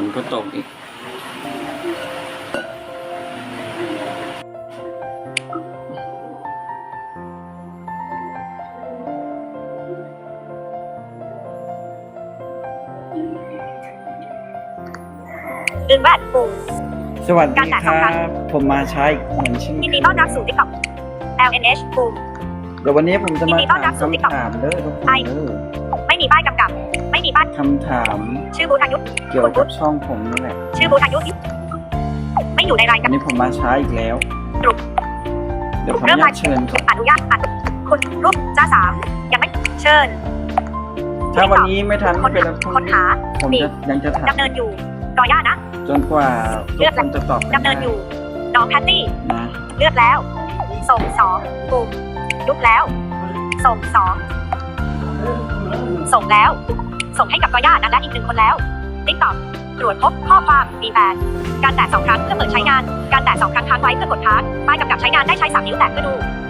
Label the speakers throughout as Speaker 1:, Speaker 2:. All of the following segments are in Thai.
Speaker 1: ก็ตกอีก
Speaker 2: ดึงแบตปุ่ม
Speaker 1: สวัสดีครับผมมาใช้เหมือนชิ่น
Speaker 2: ยินดีต้อนรับสู่ TikTok LNH ปุ่ม
Speaker 1: เดี๋ยววันนี้ผมจะมาถามคำถามเด้อทุกคนเด้อ
Speaker 2: ไม่มีป้ายกำกับ ไม่มีป้าย
Speaker 1: คำถาม
Speaker 2: ชื่อบูธอายุ
Speaker 1: เกี่ยวกับช่องผมนี่แหละ
Speaker 2: ชื่อบูธอายุไม่อยู่ในราย
Speaker 1: วั
Speaker 2: การ
Speaker 1: นนี้ผมมาใช้อีกแล้ว
Speaker 2: กลุ่ม
Speaker 1: เดี๋ยวผม
Speaker 2: เริ่ม
Speaker 1: อยากเชิญครับ
Speaker 2: อนุญาตคุณรูปจ้าสามยังไม่เชิญ
Speaker 1: ถ้าวันนี้ไม่ทันไม่เป็นไรพรุ่ง
Speaker 2: คน
Speaker 1: นี้
Speaker 2: หา
Speaker 1: ผมจะยังจะถาม
Speaker 2: ดำเนินอยู่รอย่านะ
Speaker 1: จนกว่าทุกคนจะตอบ
Speaker 2: ดำเนินอยู่น้องแพตตี้
Speaker 1: นะ
Speaker 2: เลือกแล้ว ส่ง2ปุ่มลุกแล้ว ส่ง2ส่งแล้ว ส่งให้กับกอย่านั้นและอีก1คนแล้วติ๊กต็อกตรวจพบข้อความมีแปดการแตะ2ครั้งเพื่อเปิดใช้งาน การแตะ2ครั้งค้างไว้เพื่อกดค้างป้ายกำกับใช้งานได้ใช้3นิ้วแตะเพื่อดู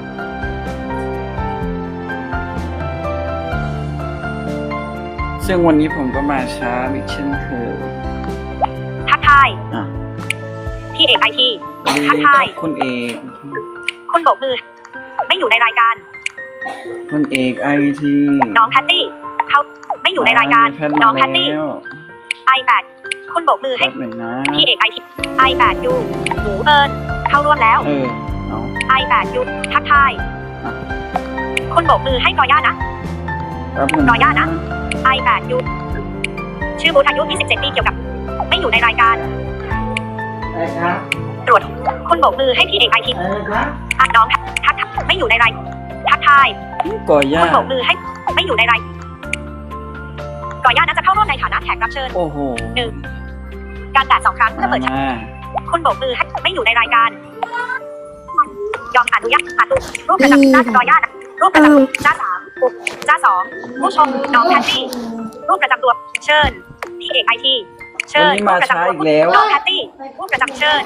Speaker 1: ซึ่งวันนี้ผมก็มาช้าอีกเช่นเคย
Speaker 2: ทักทาย
Speaker 1: อ่ะ
Speaker 2: พี่เอกไอที
Speaker 1: วันนี้
Speaker 2: ทักทาย
Speaker 1: คุณเอก
Speaker 2: คุณโบกมือ ไม่อยู่ในรายการ
Speaker 1: คุณเอกไอที
Speaker 2: น้องแพตตี้เขาไม่อยู่ในรายการ น้องแพตตี้ iPad คุณโบกมือให้
Speaker 1: แป๊บหนึ่งนะ
Speaker 2: พี่เอกไอที iPad ยูหมูเอิญเข้าร่วมแล้ว
Speaker 1: เอา
Speaker 2: iPad ยูทักทายคุณโบกมือให้กอย่านะ
Speaker 1: แป๊บหนึ่ง
Speaker 2: รอย่านะ iPad ยูชื่อบูธอายุ27 ปีเกี่ยวกับ ไม่อยู่ในรายการ
Speaker 1: อะไรครับ
Speaker 2: ตรวจคุณโบกมือให้พี่เอกไอที
Speaker 1: อะไรครับ
Speaker 2: น้องทักไม่อยู่ในรายทักทาย
Speaker 1: ก่อย่า
Speaker 2: คุณโบกมือให้ไม่อยู่ในรายก่อย่าน่าจะเข้าร่วมในฐานะแขกรับเชิญ
Speaker 1: โอ้โห
Speaker 2: การแตะ2ครั้งเพื่อเปิด
Speaker 1: มา
Speaker 2: คุณโบกมือให้ไม่อยู่ในรายการ ยอมอนุญาตรูปประจำจ้าก่อย่ารูปประจำจ้า3ปุ๊บจ้า2ผู้ชมน้องแพตตี้รูปประจำตัวเชิญพี่เอกไอทีเชิ
Speaker 1: วัน
Speaker 2: ญ
Speaker 1: นี้
Speaker 2: รู
Speaker 1: มา
Speaker 2: ปประ
Speaker 1: ช้า
Speaker 2: จำตัว
Speaker 1: อีกแล้ว
Speaker 2: น้องแพตตี้รูปประจำเชิญ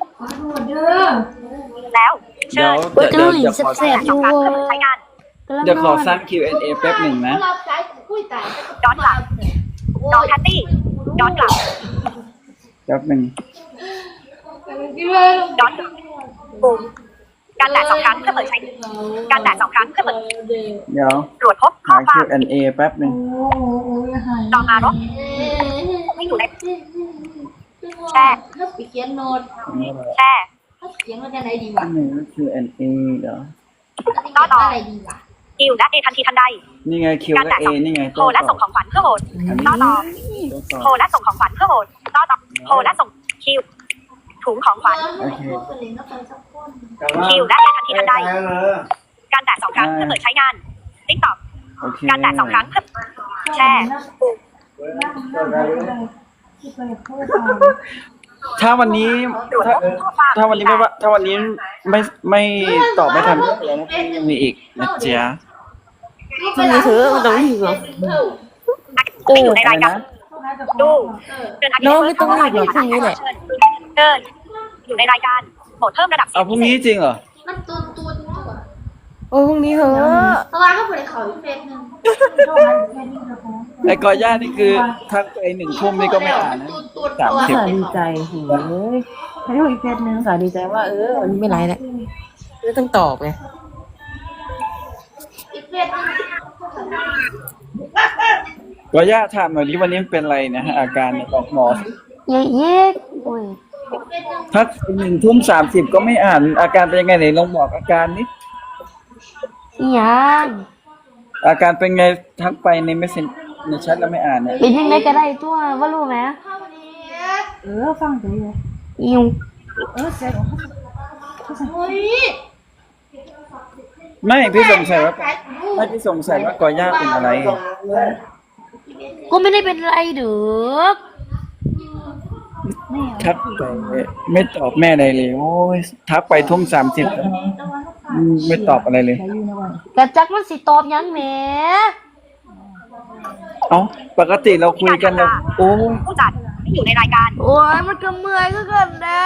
Speaker 2: แล้วเชิ
Speaker 1: เดี๋ยว
Speaker 2: ญ
Speaker 1: เดี๋ยวขอ
Speaker 2: แตะ2ครั้งเพื่อเปิดใช้งาน
Speaker 1: เดี๋ยวขอสร้าง Q&A แป๊บหนึ่งนะ
Speaker 2: ย้อนกลับน้องแพตตี้ย้อนกลับ
Speaker 1: แป๊บหนึ่ง
Speaker 2: ย้อนกลับปุ่มการแตะ2ครั้งเพื่อเปิดใช้การแตะ2ครั้งเพื่อเปิด
Speaker 1: เดี๋ยว
Speaker 2: ตรวจพบข้อ
Speaker 1: หา
Speaker 2: ความ
Speaker 1: Q&A แป๊บหนึ่ง
Speaker 2: ลองมารบไม่อยู่ในแช่
Speaker 3: ไปเขียนโน้ต
Speaker 2: แช่
Speaker 3: เขียนว่าจะไหนดี
Speaker 1: อั
Speaker 3: วะ
Speaker 1: นนี้ Q&A เดี๋ยว
Speaker 3: ต่ออะไรดีวะ
Speaker 2: กิวและเอทันทีทันใด
Speaker 1: นี่ไง Q และ A นี่ไง
Speaker 2: โทรและส่งของขวัญเพื่อโหวต
Speaker 1: อันนี้
Speaker 2: ต่อ
Speaker 1: ตัวต่อ
Speaker 2: โทรและส่งของขวัญเพื่อโหวตต่อโทรและส่งคิวถุงของขวัญ
Speaker 1: โอเค
Speaker 2: คิวและเอทันทีทันใดการแตะ2ครั้งเพื่อเปิดใช้งานติ๊กต็อก
Speaker 1: โอเค
Speaker 2: การแตะ2ครั้งเพื่อแช่ปุ่ม
Speaker 1: ถ้าวันนี้
Speaker 2: ตรวจพบข้อความ
Speaker 1: ถ้าวันนี้ไม่ตอบไม่ทันก็เดี๋ยวนะยังมีอีกนะจ๊ะ
Speaker 4: มันมีถือมันต้องอยู่เหรอ
Speaker 2: ไม่อยู่ในรายการ
Speaker 1: นะ
Speaker 2: ดูเดินอาทิตย์
Speaker 4: น้องไม่ต้องหลับหรอกพรุ่งนี้แหละ
Speaker 2: เดินอยู่ในรายการโหมดเพิ่มระดับเสีย
Speaker 1: เอา
Speaker 2: ง
Speaker 1: พรุ่งนี้จริงเหรอ
Speaker 3: มันตูนตัว
Speaker 4: โอ้พรุ่งนี้เหรอ
Speaker 3: เพราะว่าเขาเปิดเขาอีกเฟซหนึ่ง
Speaker 1: ไอ้กอย่านี่คือทักไป1 ทุ่มนี่ก็ไม่อ่านนะ
Speaker 4: สาดีใจโอ้ยให้ดูอีกเพจนึงสาดีใจว่าวันนี้ไม่ไรแล้วไม่ต้องตอบไง
Speaker 3: อีกเฟซหนึ่ง
Speaker 1: กอย่าถามหน่อยดิวันนี้มันเป็นอะไรนะฮะอาการเนี่ยบอกหมอสิ
Speaker 4: เย้เย้โอ้ย
Speaker 1: ทัก1 ทุ่ม 30ก็ไม่อ่านอาการเป็นยังไงไหนลองบอกอาการนี้
Speaker 4: ยัง
Speaker 1: อาการเป็นไงทักไปในเมสเซนในแชทแล้วไม่อ่านเนี่ย
Speaker 4: เป็นยังไงก็ได้ตัวว่ารู้ไหม
Speaker 3: เข้าวันนี้
Speaker 4: ฟังไปเลยอิว
Speaker 3: เฮ้ย
Speaker 1: ไม่พี่สงสัยว่าไม่พี่สงสัยว่ากอย่าเป็นอะไร
Speaker 4: ก็ไม่ได้เป็นไรเด้อ
Speaker 1: ทักไปไม่ตอบแม่อะไรเลยโอ้ยทักไปทุ่ม 30ไม่ตอบอะไรเลย
Speaker 4: กระจักมันสิตอบยังแหม
Speaker 1: เอ้าปกติเราคุยกันแล้วโอ้ย
Speaker 2: ผู้จัดไม่อยู่ในรายการ
Speaker 4: โอ้ยมันก็เมื่อยก็เกินนะ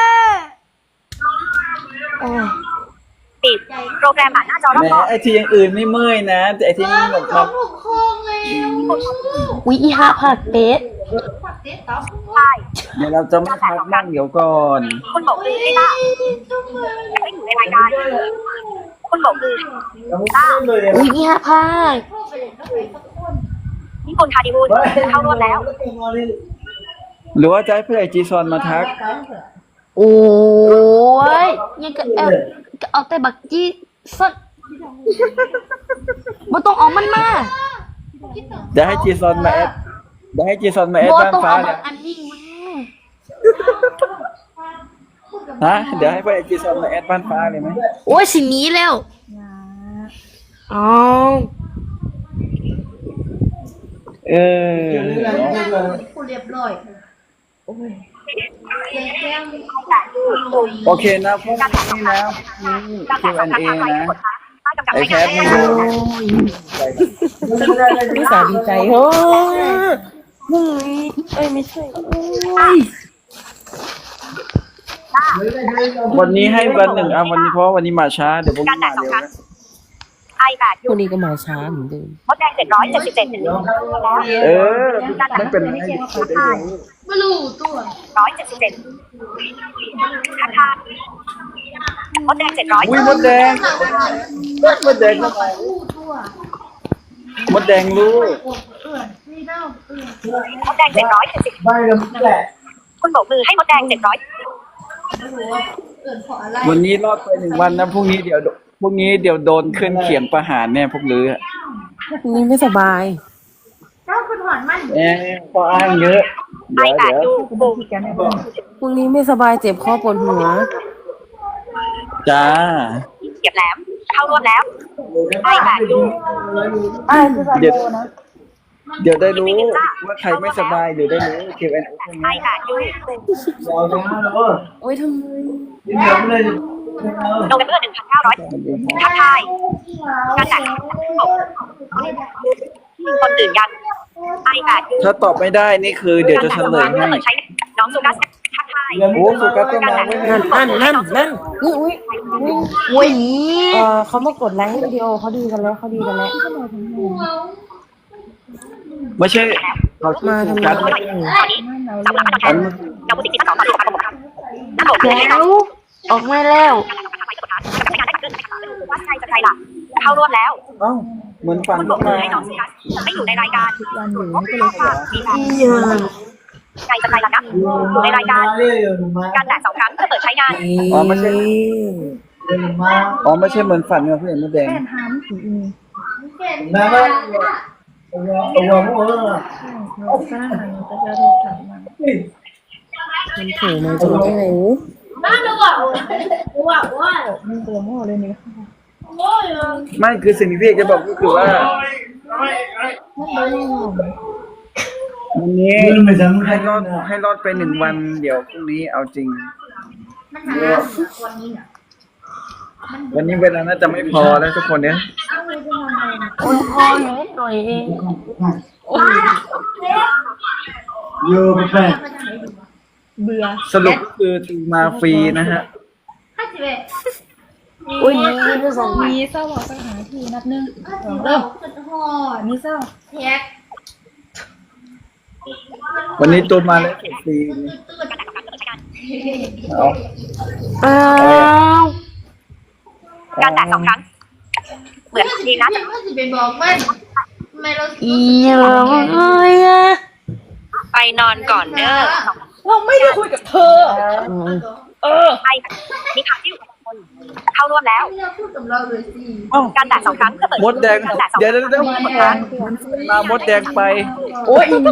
Speaker 4: โอ้ย
Speaker 2: ปิดโปรแกรมอ่านหน้าจอรอบ
Speaker 1: แหม
Speaker 2: นอก
Speaker 1: ไอทีอย่างอื่นไม่เมื่อยนะแต่ไอที่นี่แบบ
Speaker 3: เขาถูกโค้งเลย
Speaker 4: อุ๊ยอีหาผักเป็ด
Speaker 3: ผักเด็ดต๊อก
Speaker 2: ใช่
Speaker 1: เดี๋ยวเราจะไม่พักนั่งเดี๋ยวก่อน
Speaker 2: คุณบอกคือลิต้าจะไม่อยู่ในรายการคุณบอกคือลิต้า
Speaker 4: อุ้ยนี่ฮะพา
Speaker 3: เข้าไปเลยเข้าไปสักคน
Speaker 2: นี่คุณคาดิบูลเข้ารวมแล้ว
Speaker 1: หรือว่าจะให้เพื่อนไอจีซอนมาทัก
Speaker 4: โอ้ยยังก็เอาแต่บักจี้สดบ่ต้องเอามันมา
Speaker 1: เดี๋ยวให้จีซอนมาแอดเดี๋ยวให้จีซอนมาแอด
Speaker 4: บ่
Speaker 1: บ้าน
Speaker 4: ต้อง
Speaker 1: ฟ้า
Speaker 4: เอาบั
Speaker 1: เนี่ย
Speaker 4: กอันนี้มา
Speaker 1: ฮะเดี๋ยวให้เพื่อนไอจีซอนมาแอดบ้านฟ้าเลยไหม
Speaker 4: โอ้ยสิหนี้แล้วอ๋อ
Speaker 1: เออ
Speaker 3: กูเรียบร้อยโอ้ยแก้ม
Speaker 1: โอเคนะพวกนี้นะนี่ Q&A นะไอแคทนี่
Speaker 4: โอ้ยนี่สาดีใจเฮ้ยพรุ่งนี้เอ้ยไม่ใช่โอ้ย
Speaker 1: วันนี้ให้วันหนึ่งอ่ะวันนี้เพราะวันนี้มาช้าเดี๋ยวพรุ่งนี้มาเร็วนะ
Speaker 2: ไอแปด
Speaker 4: พรุ่งนี้ก็มาช้าเหมือนเดิม
Speaker 2: มดแดง777แล้ว
Speaker 1: เออไม่เป็นไรเดี๋ยวได้รู้
Speaker 3: ไม่รู้ตัว
Speaker 2: 177ทักทายมดแดง700
Speaker 1: อุ้ยมดแดงมดแดงเข้าไป
Speaker 3: รู้ตัว
Speaker 1: มดแดงรู้
Speaker 3: เอื่อนนี่เน่าเอื่อน
Speaker 2: มดแดง770
Speaker 1: ไม่แล้วแหละ
Speaker 2: คุณบอกมือให้มดแดง700
Speaker 3: ไม่รู้ว่าเอื่อนเพราะอะไร
Speaker 1: วันนี้รอดไป1 วันนะพรุ่งนี้เดี๋ยวโดนขึ้นเขียงประหารเนี่ยพวกลือ
Speaker 4: พรุ่งนี้ไม่สบาย
Speaker 3: เจ้าคุณหอนมัน
Speaker 1: พออ้างเยอะ
Speaker 2: ไอ
Speaker 1: เดี๋ยว
Speaker 2: แปด
Speaker 1: เดี๋ยว
Speaker 2: ยูบู
Speaker 4: พรุ่งนี้ไม่สบายเจ็บคอปวดหัว
Speaker 1: จ้า
Speaker 2: เก็บแหลมเข้ารวมแล้วไอแปดยู
Speaker 1: เดี๋ยวได้รู้ว่าใครไม่สบายเดี๋ยวได้รู้ Q&A พวก
Speaker 2: ไอ
Speaker 1: นี้
Speaker 2: แปดยู
Speaker 4: โอ้ยทำไม
Speaker 2: โนเวมเบอร์1,900ทักทายการแต่งคนตื่นยังไอแปดยู
Speaker 1: ถ้าตอบไม่ได้นี่คือเดี๋ยวจะเฉลยให้
Speaker 2: ใช้น้องสุกัสทักทาย
Speaker 1: โอ้สุกัสก็มาเว้ย
Speaker 4: นั่นนี่อุ้ยเขามากดไลค์ให้วิดีโอเขาดีกันแล้ว
Speaker 1: ไม่ใช่เรา
Speaker 4: มาทำไม
Speaker 1: กัส
Speaker 2: ตอนนี้สำหรับตัวแทนกับบุติกิจทั้ง2ตอนที่ประกบน้ำตกเลยให้น้อง
Speaker 4: ออกมาแล้ว
Speaker 2: ว่าใครจะใครล่ะเข้าร่วมแล้ว
Speaker 1: เอ้าเหมือนฟัง
Speaker 2: คุณบ
Speaker 1: ก็
Speaker 2: อกมือ
Speaker 1: มา
Speaker 2: ให้น้องสุกัสไม่อยู่ในรายการมีแบบ
Speaker 4: อีหยัง
Speaker 2: ใครจะใครล่ะนะอยู่ในรายการการแตะ2 ครั้งเพื่อเปิดใช้งาน
Speaker 1: อ๋อไม่ใช่เหมือนฝันเนี่ยเพื่อนมดแดง
Speaker 4: มันโผล่มาจากที่ไหน
Speaker 3: บ้านเราบอกว่า
Speaker 1: ไม่คือสิ่งที่พี่เอกจะบอกก็คือว่าวันนี้ให้รอดไป1 วันเดี๋ยวพรุ่งนี้เอาจริง
Speaker 3: มันหาวันนี้น่ะ
Speaker 1: วันนี้เวลาน่าจะไม่พอแล้วทุกคนเนี่ย
Speaker 4: โอ้ยพออยู่นิดหน่อยเอง
Speaker 1: สรุปก็คือตีมาฟรีนะฮะ
Speaker 4: อุ้ยนี่ด้วยสอง
Speaker 5: มีเศร้าบอกสถานที่นับหนึ่ง
Speaker 3: เริ่มหอด
Speaker 5: มีเศร้า
Speaker 3: แท็ก
Speaker 1: วันนี้ตัวมาแล้วฟรีเอา
Speaker 4: อ้าว
Speaker 2: การแตะ2 ครั้งเหมือนดีนะ
Speaker 3: ว่าจะไปบอกมันไม่เรา
Speaker 4: อีหยังเอ้ยอะ
Speaker 2: ไปนอนก่อนเด้อ
Speaker 5: เราไม่ได้คุยกับเธอ
Speaker 2: ไอมีข่าวที่เข้าร่วมแล้ว
Speaker 3: ไม่เราพูดกับเราเลยสิ
Speaker 1: เอ้า
Speaker 2: การแตะ2 ครั้งเพื่อเปิด
Speaker 1: มดแดง
Speaker 2: การแตะ2
Speaker 1: เดี๋ยวมามดแดงไป
Speaker 5: โอ้ยอีมี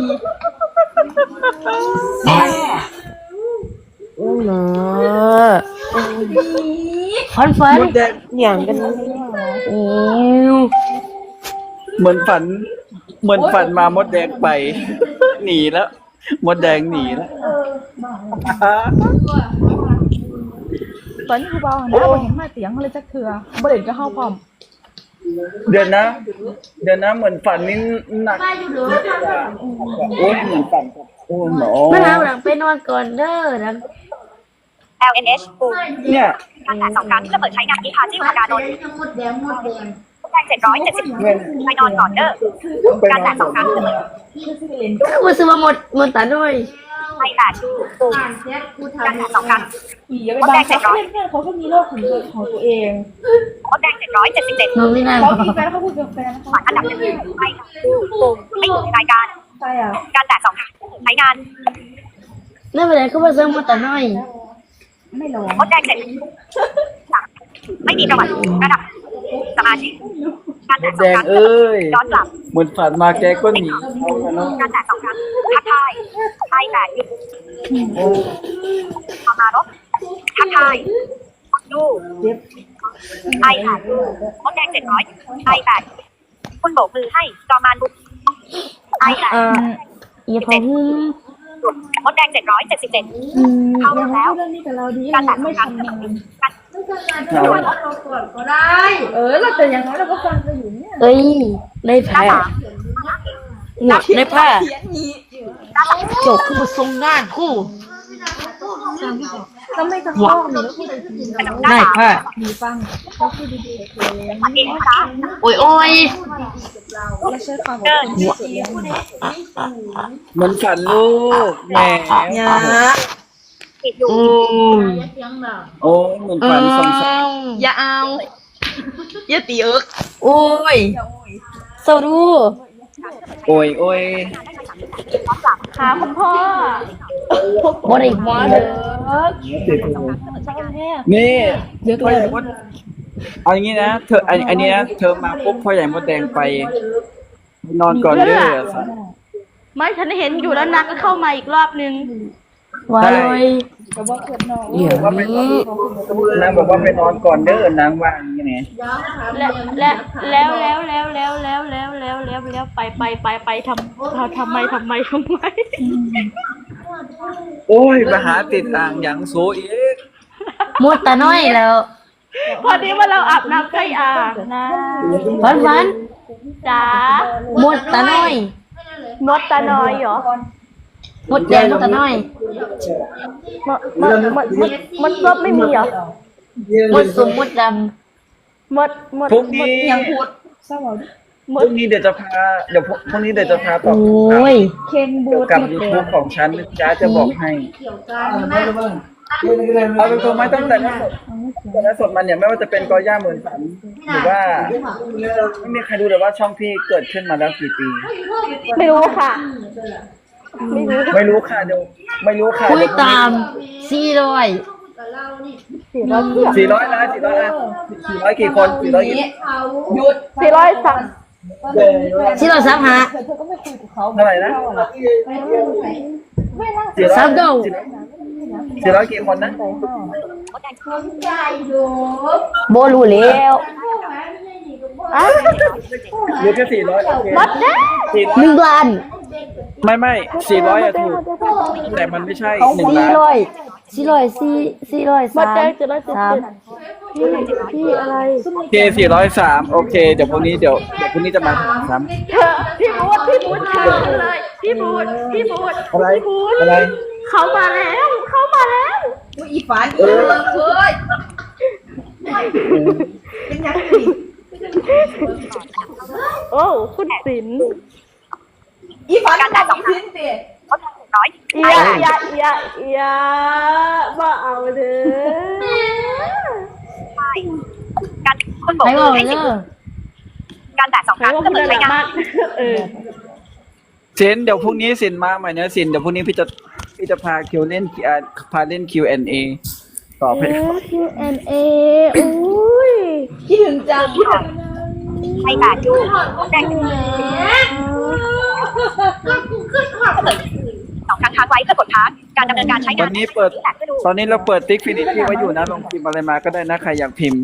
Speaker 4: โอ้ยนะคอนเฟิร์
Speaker 1: มดแดง
Speaker 4: อย่างกันโอ้ย
Speaker 1: เหมือนฝันมามดแดงไป หนีแล้ว มดแดงหนีแล้ว
Speaker 5: ตอนนี้คือเบาหนะบ่เห็นมาเสียงเลยจักเถื่อบ่เด่นก็เข้าพร้อม
Speaker 1: เดี๋ยวนะเหมือนฝันนี่หนัก
Speaker 3: มาอยู่หรือ
Speaker 1: โอ้ยเหมือนฝันโอ้หนอ
Speaker 4: มาน้ำหลังไปนอนก่อนเด้อหลัง
Speaker 2: LNH ปู
Speaker 1: เนี่ย
Speaker 2: การแตะ2 ครั้งเพื่อเปิดใช้งานที่พาจิ้วการนน
Speaker 3: หมดแดง
Speaker 2: แดง770ไปนอนก่อนเด้อการแตะ2 ครั้งเพื่อเปิด
Speaker 3: คือมาซื้อมาหมดตาด้วย
Speaker 2: ไทย8ดูปุ่ม
Speaker 3: อ่านเช็ดกู
Speaker 2: การ
Speaker 3: ทำ
Speaker 2: แตะ2ครั้ง
Speaker 5: อีอย่าไปบังคับเพื่อนเขาก็มีโลกของตัวเอง
Speaker 2: มดแดง777
Speaker 3: น้องนี่นะ
Speaker 5: เขามีแฟนเขาพูดกับแฟนนะคะ
Speaker 2: ผ่านอันดับ1ไทยดูปุ่มไม่อยู่ในรายการ
Speaker 5: ใช่อ่ะ
Speaker 2: การแตะ2ครั้งใช้งาน
Speaker 3: นั่นเป็นไรก็มาซื้อมาตาน้อย
Speaker 5: ไม่ลง
Speaker 2: มดแดง7ไม่มีประวัติระดับสมาชิกการ
Speaker 1: ม
Speaker 2: แตะ
Speaker 1: ด
Speaker 2: 2
Speaker 1: แด
Speaker 2: ค
Speaker 1: ง
Speaker 2: รั้ง
Speaker 1: เอ้ย
Speaker 2: ย้อนกลับ
Speaker 1: เหมือนฝันมาแกก็หนีเอากันเนาะ
Speaker 2: การแตะ2ครั้งทักทายไทย8ดูมามารบทักทายดูไทย8ดูมดแดง700ไทย8คุณโบกมือให้จอมานบุกไทย8
Speaker 3: อย่าพอหุ้ม
Speaker 2: มดแดง777 เข้า
Speaker 5: อย่า
Speaker 2: แล้ว
Speaker 5: พูดเรื่องนี้กับเราดี
Speaker 2: การแตะ
Speaker 5: ไม่
Speaker 2: 2ครั้ง
Speaker 5: ทำงาน
Speaker 3: ก็ได้
Speaker 5: เราแต่อย่างน้อยเราก็ฟังกันอยู่เนี่ย
Speaker 3: เอ้ยในแพ้เนี่ยในผ้าโจกคือมาทรงงานคู่
Speaker 5: ก็ไม่ต้องร้องหรือพูดอะไรดี
Speaker 3: ในผ้า
Speaker 5: ดีฟังเราพูดดีๆกับเลย
Speaker 2: อันนี้นะคะ
Speaker 3: โอ้ยโอ้ย
Speaker 5: เราใช้ความอดทนที่สุดแล้ว
Speaker 1: เหมือนฝันลูกแหม
Speaker 3: อย่า
Speaker 2: ติดอยู่
Speaker 3: โอ้ย
Speaker 1: โอ้เหมือนฝันสงสาร
Speaker 3: อย่าเอาอย่าตีเอิกโอ้ยเศร้าดู
Speaker 1: โอ้ยโอ้ย
Speaker 5: ค่ะคุณพ่อ
Speaker 3: บ่ได้มาเลย
Speaker 1: นี่พ่อใหญ่มดเอาอย่างนี้นะเธออันนี้นะเธอมาปุ๊บพ่อใหญ่มดแดงไปนอนก่อนเด้อ
Speaker 6: ไม่ฉันเห็นอยู่แล้วนางก็เข้ามาอีกรอบนึง
Speaker 3: ว่าเลย
Speaker 5: ก็บอกเกิดน้อง
Speaker 3: เดี๋ยวนี้
Speaker 1: นางบอกว่าไปนอนก่อนเด้อนางว่าอย่างนี้ไง
Speaker 6: แล้วไปทำไม
Speaker 1: โอ้ยไปหาติดอ่างอย่างโซอีก
Speaker 3: หมดตาน้อยแล้ว
Speaker 6: พอดีว่าเราอาบน้ำใกล้อ่างนะ
Speaker 3: วัน
Speaker 6: จ๋า
Speaker 3: หมดตาน้อย
Speaker 6: มดตาน้อยเหรอ
Speaker 3: หมดแดงหมดตาน้อย
Speaker 6: มันก็ไม่มีเหรอ
Speaker 3: หมดสมหมดด
Speaker 1: พรุ่งนี้
Speaker 5: เศร้าหรอ
Speaker 1: พรุ่งนี้เดี๋ยวจะพาเดี๋ยวพรุ่งนี้เดี๋ยวจะพา
Speaker 3: ำ
Speaker 1: ตอบ
Speaker 3: โอ้ย
Speaker 5: เคนบู
Speaker 1: เกี่ยวกับยูทูบของฉันนะจ๊ะจะบอกให้เอาตรงๆไหมตั้งแต่ละสดมันเนี่ยไม่ว่าจะเป็นกอย่าเหมือนฝันหรือว่าไม่มีใครรู้เลยว่าช่องพี่เกิดขึ้นมาแล้วกี่ปี
Speaker 6: ไม่รู้ค่ะ
Speaker 1: ไม่รู้ค่ะเดี๋ยวไม่รู้ค่ะ
Speaker 3: คุย
Speaker 1: เดี๋ยวพรุ่ง
Speaker 3: ตา
Speaker 1: นี้
Speaker 3: ม400
Speaker 1: 400นะ400กี่คน400กี่
Speaker 6: 403
Speaker 3: 400สามหา
Speaker 5: เธอก็ไม่คุยกับเขา
Speaker 1: เท่าไหร่นะ
Speaker 3: สามเก้า
Speaker 1: 400กี่คนนะ
Speaker 3: โบรู้แล้ว
Speaker 1: หรือแค่400โอเค
Speaker 6: มดแดง
Speaker 3: 1 ล้าน
Speaker 1: ไม่400อะถูกแต่มันไม่ใช่1 ล้าน
Speaker 6: มดแดง
Speaker 3: 400
Speaker 6: 403พี่อะไร
Speaker 1: โอเค403โอเคเดี๋ยวพรุ่งนี้พรุ่งนี้จะมาถาม
Speaker 6: เธอพี่บูดค่ะเลยพี่บูด
Speaker 1: อะไร
Speaker 6: พี่บูด
Speaker 1: อะไร
Speaker 6: เขามาแล้ว
Speaker 3: อีฝันอีเลิกเคย
Speaker 6: โอ้คุณศิลป์
Speaker 3: อีฝัน
Speaker 2: การแตะ2ครั้งมดแดง700
Speaker 6: อย่ามาเอาเด้อ
Speaker 2: ใช่การคุณโบก
Speaker 3: ให้
Speaker 2: มื
Speaker 3: บอ
Speaker 2: อก ให้
Speaker 3: เด้
Speaker 2: 10
Speaker 3: อ
Speaker 2: การแตะ2ค
Speaker 6: ใคร
Speaker 2: รั้ง
Speaker 6: ว่า
Speaker 2: จะ
Speaker 6: คุณ
Speaker 2: เปิด
Speaker 6: น่า
Speaker 2: ใช้
Speaker 6: รัก
Speaker 2: งาน
Speaker 6: มากเออ
Speaker 1: สินเดี๋ยวพรุ่งนี้สินมาใหม่นะสินเดี๋ยวพรุ่งนี้พี่จะพาคิวเล่นพาเล่น Q&A ตอบให้
Speaker 6: Q&A อุ้ย
Speaker 3: คิดถึงจัง
Speaker 2: ไทย8ดูมดแดง2 ครั้งค้างไว้เพื่อกดค้างการดำเนินการใช้งา
Speaker 1: วัน นนี้เปิดตอนนี้เราเปิดติ๊กฟินิตี้ไว้อยู่นะลองพิมพ์อะไรมาก็ได้นะใครอยากพิมพ์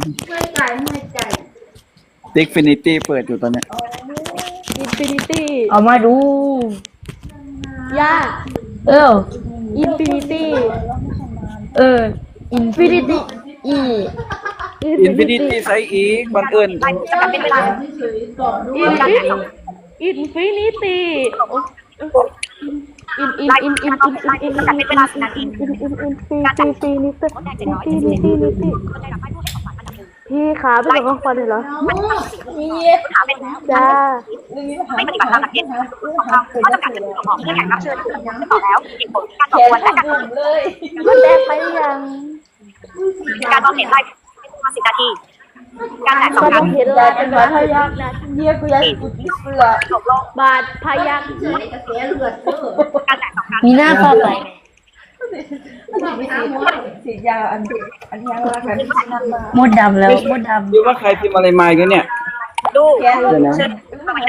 Speaker 1: ติ๊กฟินิตี้เปิดอยู่ตอนเนี้ย
Speaker 6: Infinity
Speaker 3: เอามาดู
Speaker 6: ย่า Infinity
Speaker 3: อินฟินิตี้อี
Speaker 1: อินฟินิตี้ไซส์อีกบังเอิญ
Speaker 2: ไลน์จำกัดเป็นเวลาการแตะ2
Speaker 6: Infinity
Speaker 2: ไลน์จำกัดเป็นเวลา10 นาทีการแตะ
Speaker 6: Infinity
Speaker 2: มดแดง777คนได้รับป้ายผู้ให้ของขวัญอันดับ 1
Speaker 6: พี่คะไปส่งข้อความเลยเหรอ
Speaker 2: ถามเป็น
Speaker 6: จ้า
Speaker 2: ไม่ปฏิบัติตามหลักเกณฑ์ของเราข้อจำกัดการของเพื่อแขกรับเชิญต่อแล้วเหตุผลการสอบสวนและการ
Speaker 6: มันแดงไปยัง
Speaker 2: การมองเห็นลาย10 นาที การแตกสอง
Speaker 6: มัน
Speaker 2: ครั้ง
Speaker 6: เห็นลายเป็นบาดพยักนะ
Speaker 4: เยี่ยกูอยากกูคิดเปลือก
Speaker 2: จบลง
Speaker 6: บาดพยัก
Speaker 2: การแตก2 ครั้ง
Speaker 3: มีหน้าเข้าไป
Speaker 4: ฉีดยาอันยังรักกันนั่งมาม
Speaker 3: ดดำแล้วมดด
Speaker 1: ดูว่าใครพิมพ์อะไรมากันเนี่ย
Speaker 2: ดู
Speaker 1: เดี๋ยวนะ
Speaker 2: เชิญสวัสดี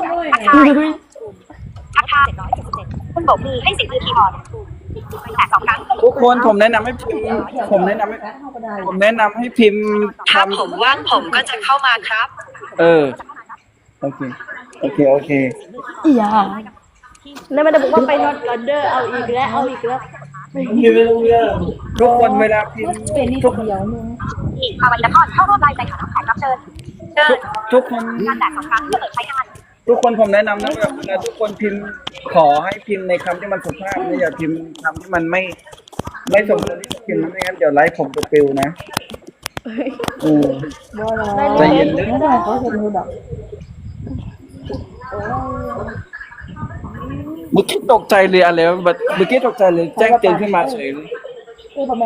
Speaker 2: ทักทายคุณโบกมือให้เสียงมือคีย์บอร์ดแตก2 ครั้ง
Speaker 1: ทุกคนผมแนะนำให้พิมพ์ผมแนะนำให้พิมพ์
Speaker 2: ถ้าผมว่างผมก็จะเข้ามาครับ
Speaker 1: โอเค
Speaker 3: ำอีหยา
Speaker 6: แล้วมันจะบอกว่าไปนอนก่อนเด้อเอาอีกแล้วเอาอีกแล้ว
Speaker 1: ทุกคนเวลาพิมพ์ทุก
Speaker 2: อีกภาวะละครเข้าร่วมรายใจข่าวแขกรับเชิญเชิญ
Speaker 1: ทุกคน
Speaker 2: การแตก2 ครั้งเพื่อเปิดใช้งาน
Speaker 1: ทุกคนผมแนะนำนะแบบเวลาทุกคนพิมพ์ขอให้พิมพ์ในคำที่มันสุภาพนะอย่าพิมพ์คำที่มันไม่สมควรที่จะพิมพ์ไม่งั้นเดี๋ยวไลฟ์ผมจะปลิวนะใจเย็นนิด
Speaker 4: ไม่ได้เขาเห็นดูดอก
Speaker 1: เมื่อกี้ตกใจเลยอะไรวะแบบเมื่อกี้ตกใจเลยแจ้งเตือนขึ้นมาเฉยเลย
Speaker 4: คือทำไม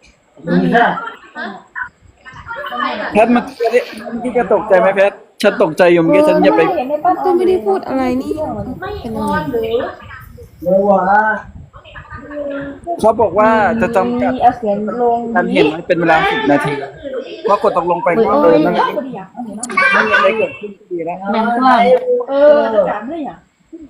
Speaker 1: แพทเมื่อกี้ก็ตกใจไหมแพทฉันตกใจอยู่เมื่อกี้ฉันอย่าไป
Speaker 4: เห็นในป้า
Speaker 7: ก็ไม่ได้พูดอะไรนี่เป็นอะไร
Speaker 1: เขาบอกว่าจะจำกัด
Speaker 4: เอาเสียงลง
Speaker 1: การเห็นมันเป็นเวลา10 นาทีเพราะกดตกลงไปก็เลยนั่นไม่มีอะไรเกิดขึ้นดีแล้ว
Speaker 3: แมงกว้าง
Speaker 4: ถามเลยอ่ะ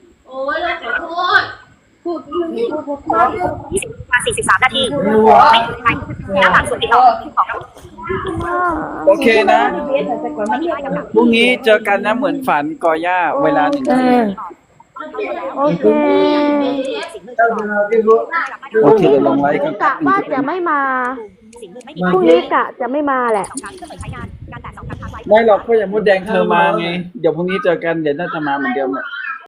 Speaker 2: 43 นาทีน้ำหนักส่วนที่2ของ
Speaker 1: โอเคนะ
Speaker 4: เบียดแต่ก่อนมันเรียก
Speaker 1: พรุ่งนี้เจอกันนะเหมือนฝันกอย่าเวลา1
Speaker 6: โอเค
Speaker 1: โอเคเดี๋ยวลงไลฟ์กัน
Speaker 6: กะว่าจะไม่มา
Speaker 2: สิ่งไม่
Speaker 6: พรุ่งนี้กะจะไม่มาแหละ
Speaker 2: 2 ครั้งเพื่อเปิดใช้งานการแตก2 ครั้งไว้
Speaker 1: ไม่หรอกก็อย่าพูดแดงเธอมาไงเดี๋ยวพรุ่งนี้เจอกันเดี๋ยวน่าจะมาเหมือนเดิมแหละ